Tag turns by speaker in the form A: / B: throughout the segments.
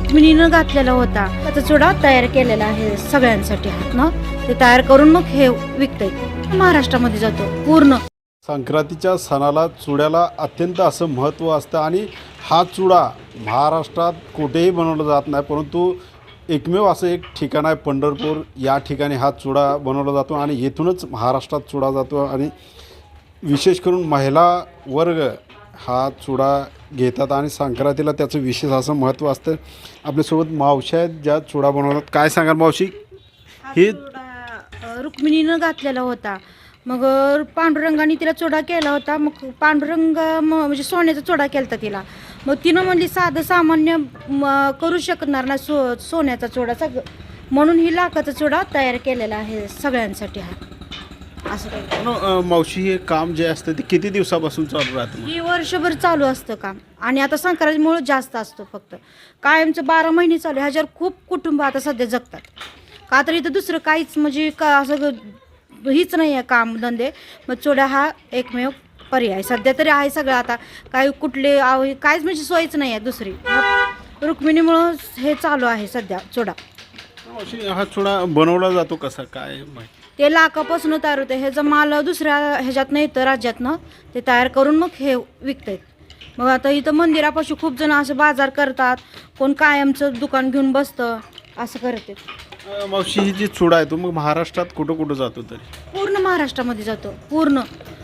A: रुक्मिणीनं घातलेला होता त्याचा चुडा तयार केलेला आहे सगळ्यांसाठी हातनं ते तयार करून मग हे विकतंय महाराष्ट्रामध्ये जातो पूर्ण.
B: संक्रांतीच्या सणाला चुड्याला अत्यंत असं महत्त्व असतं आणि हा चुडा महाराष्ट्रात कुठेही बनवला जात नाही, परंतु एकमेव असं एक ठिकाण आहे पंढरपूर. या ठिकाणी हा चुडा बनवला जातो आणि येथूनच महाराष्ट्रात चुडा जातो आणि विशेष करून महिला वर्ग हा चुडा घेतात आणि संक्रांतीला त्याचं विशेष असं महत्त्व असतं. आपल्यासोबत मावशी आहेत ज्या चुडा बनवतात. काय सांगाल मावशी? हे
A: रुक्मिणीनं घातलेला होता, मग पांडुरंगाने तिला चुडा केला होता. मग पांडुरंग म्हणजे सोन्याचा चुडा केला होता तिला. मग तिनं म्हणली साधं सामान्य करू शकणार ना सोन्याचा चुडा म्हणून ही लाखाचा चुडा तयार केलेला आहे सगळ्यांसाठी हा असं काही.
B: मावशी हे काम जे असतं ते किती दिवसापासून चालू राहतं?
A: ही वर्षभर चालू असतं काम आणि आता संक्रांतीमुळे जास्त असतो. फक्त कायमचं 12 महिने चालू. ह्याच्यावर खूप कुटुंब आता सध्या जगतात. का तर इथं दुसरं काहीच म्हणजे का असं हीच नाही आहे कामधंदे. मग चुडा हा एकमेव पर्याय सध्या तरी आहे. सगळं आता काही कुठले काहीच म्हणजे सोयच नाही आहे दुसरी. रुक्मिणीमुळं हे चालू आहे सध्या चुडा.
B: मावशी हा चुडा बनवला जातो कसा काय माहिती?
A: ते लाखापासून तयार होतं. ह्याचा माल दुसऱ्या ह्याच्यातनं येतं राज्यातनं ते तयार करून मग हे विकतात. मग आता इथं मंदिरापाशी खूप जण असं बाजार करतात, कोण कायमचं दुकान घेऊन बसतं असं करतात.
B: मावशी ही जी चुडा आहे तो मग महाराष्ट्रात कुठं कुठं जातो तरी?
A: पूर्ण महाराष्ट्रामध्ये जातो पूर्ण.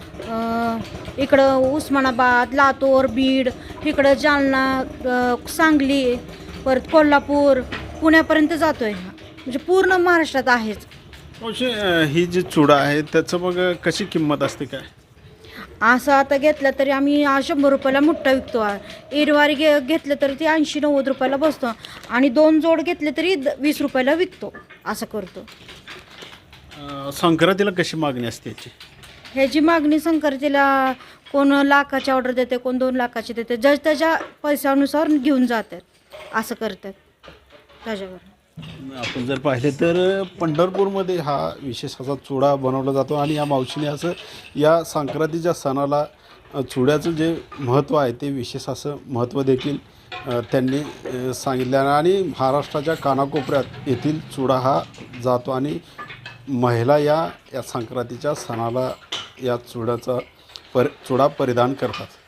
A: इकडं उस्मानाबाद, लातूर, बीड, इकडं जालना, सांगली, परत कोल्हापूर, पुण्यापर्यंत जातो आहे. म्हणजे पूर्ण महाराष्ट्रात आहेच.
B: मावशी ही जी चुडा आहे त्याचं मग कशी किंमत असते काय?
A: असं आता घेतलं तरी आम्ही 100 रुपयाला मुठ्ठा विकतो. एरवारी घेतलं तरी ते 80-90 रुपयाला बसतो आणि 2 जोड घेतले तरी 20 रुपयाला विकतो असं करतो.
B: संक्रांतीला कशी मागणी असते याची?
A: ह्याची मागणी संक्रांतीला कोण लाखाची ऑर्डर देते, कोण 2 लाखाची देते. त्याच्या पैशानुसार घेऊन जातात असं करतात. त्याच्यावर
B: आपण जर पाहिले तर पंढरपूरमध्ये हा विशेष असा चुडा बनवला जातो आणि या मावशीने असं या संक्रांतीच्या सणाला चुड्याचं जे महत्त्व आहे ते विशेष असं महत्त्व देखील त्यांनी सांगितलं आणि महाराष्ट्राच्या कानाकोपऱ्यात येथील चुडा हा जातो आणि महिला या संक्रांतीच्या सणाला या चुडा परिधान करतात.